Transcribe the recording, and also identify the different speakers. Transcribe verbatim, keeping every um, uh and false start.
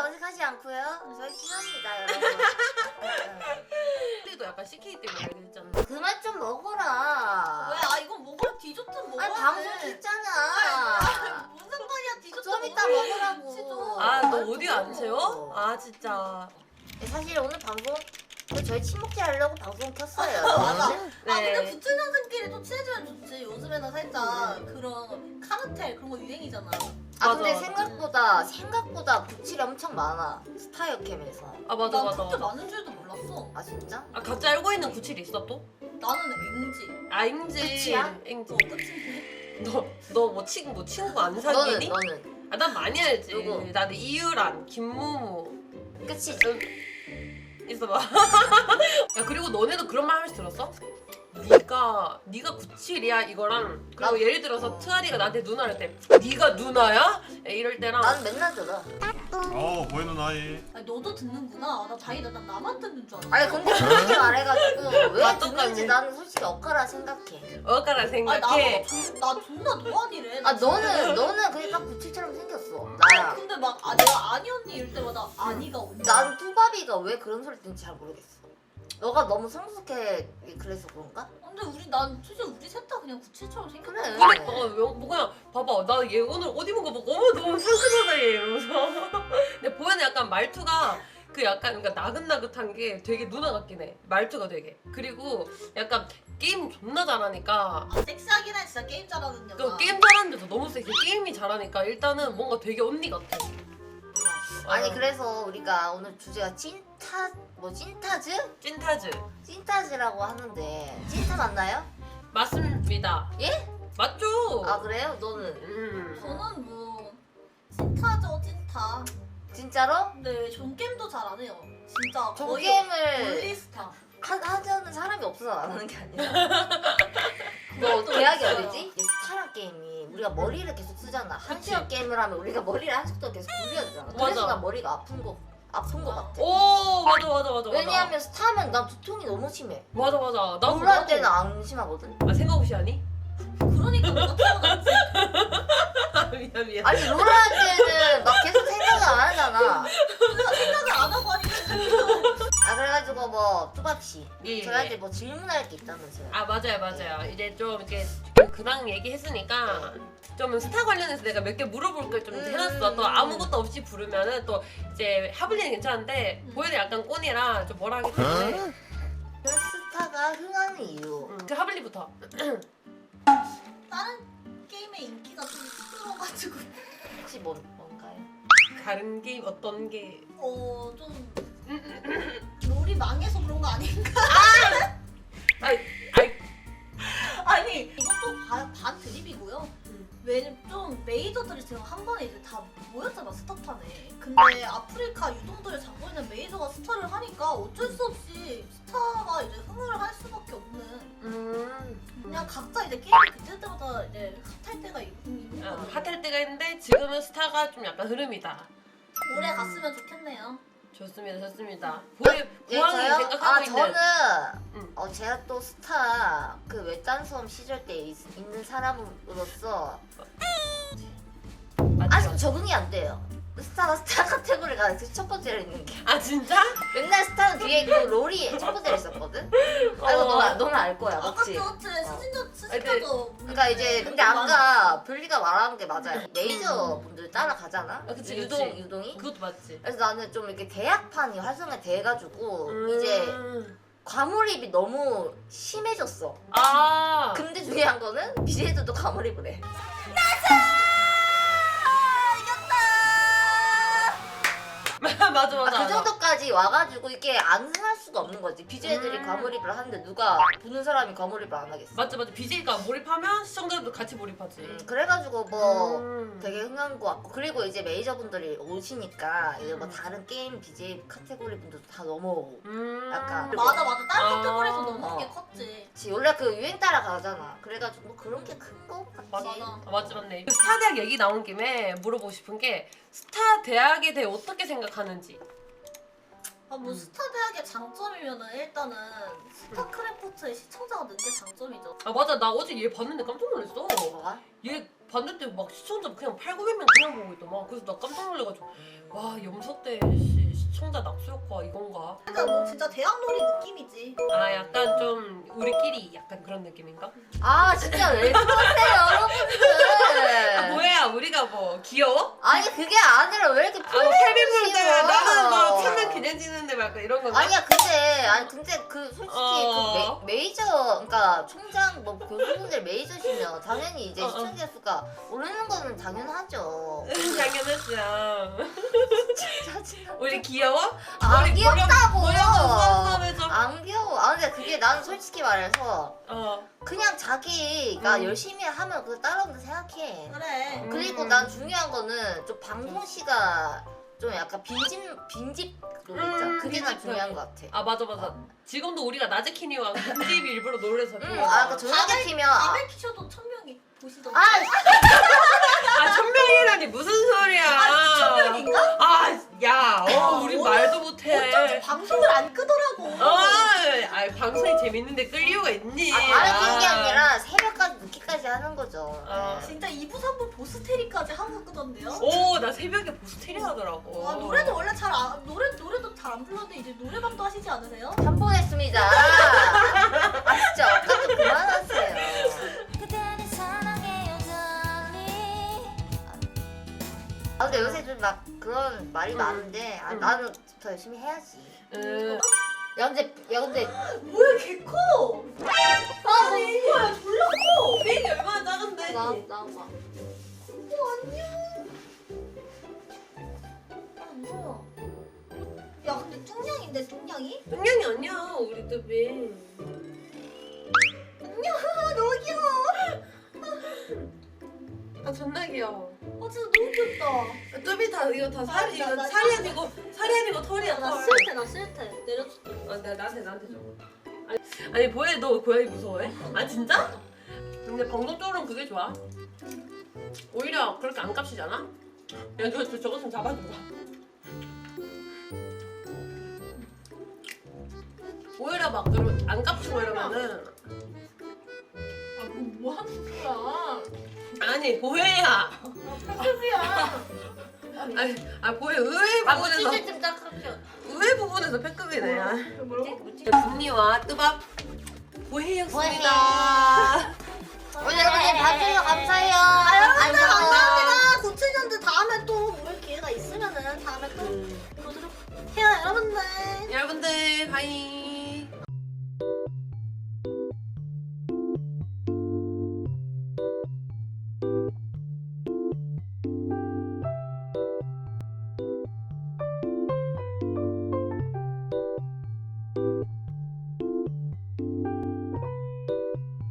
Speaker 1: 어색하지 않고요. 저희 친합니다, 여러분.
Speaker 2: 우리도 약간 씨케이 때문에 알게 됐잖아.
Speaker 1: 그만 좀 먹어라.
Speaker 3: 왜? 아 이건 먹으라 디저트 먹어야
Speaker 1: 아니
Speaker 3: 돼.
Speaker 1: 방송
Speaker 3: 아니,
Speaker 1: 있잖아.
Speaker 3: 무슨 상관이야 디저트
Speaker 1: 좀 이따
Speaker 3: 먹어야지.
Speaker 1: 먹으라고.
Speaker 2: 아, 너
Speaker 1: 아이,
Speaker 2: 오디오 안
Speaker 1: 좀
Speaker 2: 채워?
Speaker 1: 먹어.
Speaker 2: 아, 진짜.
Speaker 1: 사실 오늘 방송 저희 친목질 하려고 방송 켰어요.
Speaker 3: 맞아.
Speaker 2: 네.
Speaker 3: 아 근데 부천년생끼리 또 친해지면 좋지. 요즘에는 살짝 그런 카르텔 그런 거 유행이잖아.
Speaker 1: 아
Speaker 2: 맞아,
Speaker 1: 근데
Speaker 2: 맞아.
Speaker 1: 생각보다 생각보다 부칠이 엄청 많아. 스타일캠에서.
Speaker 2: 아, 맞아,
Speaker 3: 난
Speaker 2: 맞아.
Speaker 3: 그렇게
Speaker 2: 맞아.
Speaker 3: 많은 줄도 몰랐어.
Speaker 1: 아 진짜?
Speaker 2: 아, 각자 알고 있는 구칠이 있어, 또?
Speaker 3: 나는 앵지.
Speaker 2: 아, 잉지.
Speaker 1: 끝이야?
Speaker 2: 잉지.
Speaker 3: 어 끝인데.
Speaker 2: 너, 너 뭐 친, 뭐 친구 안
Speaker 1: 너는
Speaker 2: 사귀니?
Speaker 1: 너는
Speaker 2: 아, 난 많이 알지.
Speaker 1: 누구?
Speaker 2: 나는 이유란, 김무무.
Speaker 1: 끝이지.
Speaker 2: 있어봐. 야, 그리고 너네도 그런 말 하면서 들었어? 네가 네가 구칠이야 이거랑 그리고
Speaker 1: 나-
Speaker 2: 예를 들어서 트아리가 나한테 누나를 때 네가 누나야? 이럴 때랑
Speaker 1: 난 맨날 들어.
Speaker 4: 어 보이는 아이.
Speaker 3: 아니 너도 듣는구나. 나 다행이다. 난 나만 듣는 줄 알았어.
Speaker 1: 아니 근데 그렇게 말해가지고 왜
Speaker 2: 나
Speaker 1: 듣는지
Speaker 2: 똑같네.
Speaker 1: 나는 솔직히 엇가라 생각해.
Speaker 2: 어까라
Speaker 3: 아니
Speaker 2: 생각해.
Speaker 3: 나보고 나 존나 노안이래.
Speaker 1: 아 너는 너는 그게 딱 부칠처럼 생겼어.
Speaker 3: 아니
Speaker 1: 나야.
Speaker 3: 근데 막 아, 내가 아니 언니 이럴 때마다 아니가 언니.
Speaker 1: 난 투바비가 왜 그런 소리 듣는지 잘 모르겠어. 너가 너무 성숙해 그래서 그런가?
Speaker 3: 근데 우리 난 솔직히 우리 셋 다 그냥 구칠처럼 생겼어.
Speaker 1: 그래.
Speaker 2: 그러니까 어, 뭐 그냥 봐봐 나 얘 오늘 옷 입은 거 보고 어머 너무 상큼하다 얘 이러면서 근데 보현은 약간 말투가 그 약간 그러니까 나긋나긋한 게 되게 누나 같긴 해 말투가 되게 그리고 약간 게임 존나 잘하니까
Speaker 3: 아, 섹시하긴 해 진짜 게임 잘하는 여자.
Speaker 2: 그 게임 잘하는데도 너무 섹시 게임이 잘하니까 일단은 뭔가 되게 언니 같아
Speaker 1: 아니
Speaker 2: 어,
Speaker 1: 그래서 우리가 오늘 주제가 찐타 뭐 찐타즈?
Speaker 2: 찐타즈
Speaker 1: 찐타즈라고 하는데 찐타 맞나요?
Speaker 2: 맞습니다
Speaker 1: 예?
Speaker 2: 맞죠?
Speaker 1: 아 그래요? 너는
Speaker 2: 음.
Speaker 3: 저는 뭐 찐타죠 찐타.
Speaker 1: 진짜로?
Speaker 3: 근데 전 게임도 잘 안 해요. 진짜
Speaker 1: 저
Speaker 3: 거의
Speaker 1: 게임을
Speaker 3: 올리스타.
Speaker 1: 하, 하자는 사람이 없어서 안 하는 게 아니라 뭐 계약이 어디지? 이게 스타랑 게임이 우리가 머리를 계속 쓰잖아. 한
Speaker 2: 그치.
Speaker 1: 시간 게임을 하면 우리가 머리를 한 시간 계속 굴려야 되잖아. 그래서
Speaker 2: 맞아.
Speaker 1: 난 머리가 아픈 거 아픈 거 같아.
Speaker 2: 오 맞아 맞아 맞아
Speaker 1: 왜냐하면 스타면 난 두통이 너무 심해.
Speaker 2: 맞아 맞아 나도
Speaker 1: 롤할
Speaker 2: 나도.
Speaker 1: 때는 안 심하거든.
Speaker 2: 아 생각 없이 하니?
Speaker 3: 그러니까 너가 태어났지.
Speaker 2: 미안 미안
Speaker 1: 아니 롤할 때는 막 계속 생각을 안 하잖아.
Speaker 3: 내가 생각을 안 하고 하니까.
Speaker 1: 아 그래가지고 뭐 뚜밥씨
Speaker 2: 예,
Speaker 1: 저희한테
Speaker 2: 예.
Speaker 1: 뭐 질문할 게 있다면서요.
Speaker 2: 아 맞아요 맞아요 이제 좀 이렇게 근황 얘기했으니까 좀 스타 관련해서 내가 몇 개 물어볼 걸 좀
Speaker 1: 음.
Speaker 2: 해놨어 또 아무것도 없이 부르면은 또 이제 하블리는 괜찮은데 보현이 약간 꼰이라 좀 뭐라 하기 때문에
Speaker 1: 그 스타가 흥하는 이유.
Speaker 2: 음, 그 하블리부터
Speaker 3: 다른 게임의 인기가 좀 시끄러워가지고
Speaker 1: 혹시 뭐, 뭔가요?
Speaker 2: 다른 게임 어떤 게
Speaker 3: 어좀 롤이 망해서 그런 거 아닌가?
Speaker 2: 아이 아이
Speaker 3: 아니 이것도 반, 반 드립이고요.
Speaker 2: 음.
Speaker 3: 왜냐면 좀 메이저들이 지금 한 번에 이제 다 모였잖아 스타판에. 근데 아프리카 유동들을 잡고 있는 메이저가 스타를 하니까 어쩔 수 없이 스타가 이제 흥을 할 수밖에 없는.
Speaker 2: 음
Speaker 3: 그냥 각자 이제 게임이 그때 때마다 이제 핫할 때가 있- 있는
Speaker 2: 어,
Speaker 3: 거죠.
Speaker 2: 핫할 때가 있는데 지금은 스타가 좀 약간 흐름이다
Speaker 3: 오래 갔으면 좋겠네요.
Speaker 2: 좋습니다 좋습니다 보혜
Speaker 1: 예,
Speaker 2: 보안이
Speaker 1: 저요?
Speaker 2: 생각하고
Speaker 1: 아
Speaker 2: 있는
Speaker 1: 저는
Speaker 2: 음.
Speaker 1: 어 제가 또 스타 그 외딴섬 시절 때 있, 있는 사람으로서
Speaker 2: 맞죠?
Speaker 1: 아직 적응이 안 돼요. 스타가 스타 카테고리가 그 첫 번째로 있는 게
Speaker 2: 아 진짜?
Speaker 1: 맨날 스타는 뒤에 있고 롤이 첫 번째로 있었거든. 아 이거 너는 너는 알 거야,
Speaker 3: 아까
Speaker 1: 맞지?
Speaker 3: 그렇지 수진도
Speaker 2: 근데-
Speaker 3: 수진도
Speaker 1: 그러니까 이제 근데 아까 블리가 말한 게 맞아요. 메이저 분들 따라가잖아.
Speaker 2: 아, 그치,
Speaker 1: 유동
Speaker 2: 그치.
Speaker 1: 유동이.
Speaker 2: 그것도 맞지
Speaker 1: 그래서 나는 좀 이렇게 대학판이 활성화돼가지고
Speaker 2: 음.
Speaker 1: 이제 과몰입이 너무 심해졌어.
Speaker 2: 아
Speaker 1: 근데 중요한 거는 비제이들도 과몰입을 해.
Speaker 2: 맞아 맞아
Speaker 1: 아,
Speaker 2: 맞아
Speaker 1: 그 정도까지 와가지고 이게 안 흥할 수가 없는 거지. 비제이들이
Speaker 2: 음.
Speaker 1: 과몰입을 하는데 누가 보는 사람이 과몰입을 안 하겠어.
Speaker 2: 맞지 맞지 비제이가 몰입하면 시청자들도 같이 몰입하지
Speaker 1: 음, 그래가지고 뭐
Speaker 2: 음.
Speaker 1: 되게 흥한 거 같고 그리고 이제 메이저 분들이 오시니까 이제 뭐
Speaker 2: 음.
Speaker 1: 다른 게임 비제이 카테고리 분들도 다 넘어오고.
Speaker 2: 음.
Speaker 1: 약간.
Speaker 3: 맞아 맞아 다른
Speaker 2: 아.
Speaker 3: 카테고리에서 너무 게
Speaker 1: 어.
Speaker 3: 컸지.
Speaker 1: 그치, 원래 그 유행 따라 가잖아. 그래가지고 뭐 그런 게 큰 거 같지.
Speaker 2: 맞아
Speaker 3: 맞아.
Speaker 2: 아, 맞지 맞네 그 스타 대학 얘기 나온 김에 물어보고 싶은 게 스타 대학에 대해 어떻게 생각하는지
Speaker 3: 아, 뭐
Speaker 2: 음.
Speaker 3: 스타 대학의 장점이면은 일단은 스타크래프트의 시청자가 는 게 장점이죠.
Speaker 2: 아 맞아 나 어제 얘 봤는데 깜짝 놀랐어
Speaker 1: 뭐가?
Speaker 2: 얘 봤는데 막 시청자 그냥 팔구백 명 그냥 보고 있더만. 그래서 나 깜짝 놀래가지고 와 염석대 시, 시청자 낙수 효과 이건가?
Speaker 3: 그러니까 뭐 진짜 대학놀이 느낌이지.
Speaker 2: 아 약간 좀 우리끼리 약간 그런 느낌인가?
Speaker 1: 아 진짜 왜 그러세요 여러분들.
Speaker 2: 아 뭐야 우리가 뭐 귀여워?
Speaker 1: 아니 그게 아니라 왜 이렇게
Speaker 2: 아 케빈 볼때
Speaker 1: 싫어?
Speaker 2: 나는 뭐 천년 기념 찍는데 막 이런 건가?
Speaker 1: 아니야 근데 아니 근데 그 솔직히
Speaker 2: 어.
Speaker 1: 그 메, 메이저 그러니까 총장 뭐 교수분들 메이저시면 당연히 이제
Speaker 2: 어, 어.
Speaker 1: 시청자 수가 오르는 거는 당연하죠.
Speaker 2: 당연하죠.
Speaker 1: 짜증나.
Speaker 2: 우리 귀여워?
Speaker 1: 안
Speaker 2: 우리
Speaker 1: 귀엽다고.
Speaker 2: 모양 해줘.
Speaker 1: 안 귀여워. 아 근데 그게 나는 솔직히 말해서
Speaker 2: 어.
Speaker 1: 그냥 자기가
Speaker 2: 음.
Speaker 1: 열심히 하면 그거 따라온다 생각해.
Speaker 3: 그래.
Speaker 1: 그리고
Speaker 2: 음.
Speaker 1: 난 중요한 거는 좀 방송 시가 좀 약간 빈집 빈집 그거 있잖아.
Speaker 2: 음,
Speaker 1: 그게 난
Speaker 2: 빈집
Speaker 1: 중요한 것 같아.
Speaker 2: 아 맞아 맞아. 지금도 우리가 낮에 키니와 빈집 일부러 놀래서.
Speaker 1: 응, 아, 그 저녁에 키면 아,
Speaker 3: 밤에 키셔도 천 명이 보시던데.
Speaker 1: 아,
Speaker 2: 아 천명이라니 무슨 소리야?
Speaker 3: 아, 천 명인가?
Speaker 2: 아, 야, 어,
Speaker 3: 아,
Speaker 2: 우리
Speaker 3: 오늘
Speaker 2: 말도 못해.
Speaker 3: 어쩐지 방송을 안 끄더라고.
Speaker 2: 어, 아, 방송이 재밌는데 끌 이유가 있니?
Speaker 1: 아 다른 게 아니라 새벽까지 늦게까지 하는 거죠.
Speaker 2: 아.
Speaker 1: 네.
Speaker 3: 진짜 이 부 삼 부 보스테리까지 하고 끄던데요?
Speaker 2: 오, 나 새벽에 보스테리 하더라고.
Speaker 3: 아 노래도 원래 잘 안, 노래 노래도 잘 안 불렀는데 이제 노래방도 하시지 않으세요?
Speaker 1: 한 번 했습니다. 아 진짜 어깨도 그만하세요.
Speaker 5: 그대를 사랑해 여전히.
Speaker 1: 아 근데 요새 좀 막 그런 말이
Speaker 2: 응.
Speaker 1: 많은데 아,
Speaker 2: 응.
Speaker 1: 나는 더 열심히 해야지.
Speaker 2: 음,
Speaker 1: 야 근데 야 근데
Speaker 3: 뭐야 개 커! 아 뭐야 졸라 커!
Speaker 2: 베이비 얼마나 작은데?
Speaker 1: 나 나봐.
Speaker 3: 어 안녕. 아 무서워. 야 근데 뚱냥인데 뚱냥이?
Speaker 2: 동양이 아니야, 우리 뚜비.
Speaker 3: 안녕 너무 귀여워.
Speaker 2: 아, 존나 귀여워.
Speaker 3: 아 진짜 너무 귀엽다.
Speaker 2: 뚜비 다 이거 다 살이
Speaker 3: 나-
Speaker 2: 이거
Speaker 3: 나-
Speaker 2: 살이 아니고 살이 아니고 털이야.
Speaker 3: 나
Speaker 2: 털.
Speaker 3: 싫대 나 싫대 내려줄게.
Speaker 2: 아, 나 나한테 나한테 줘. 아니, 아니 보혜 너 고양이 무서워해? 아 진짜? 근데 방송적으로는 그게 좋아. 오히려 그렇게 안 깝치잖아. 야, 저, 저 저거 좀 잡아줘봐. 오히려 막 그러면 안 깝치고 이러면은
Speaker 3: 아뭐 뭐 하는 거야?
Speaker 2: 아니 보혜야.
Speaker 3: 패급이야.
Speaker 2: 아니 아 보혜 의외
Speaker 1: 아
Speaker 2: 부분에서
Speaker 1: 무치질 좀딱 합쳐.
Speaker 2: 의외 부분에서 패급이네. 야.
Speaker 3: 뭐라고?
Speaker 2: 분리와 뜨밥 보혜였습니다.
Speaker 1: 오늘 여러분들 봐주셔서 감사해요.
Speaker 3: 아 여러분들
Speaker 1: 안녕.
Speaker 3: 감사합니다. 구칠 년들 다음에 또 볼 기회가 있으면은 다음에 또
Speaker 2: 음.
Speaker 3: 보도록 해요 여러분들.
Speaker 2: 여러분들 바이.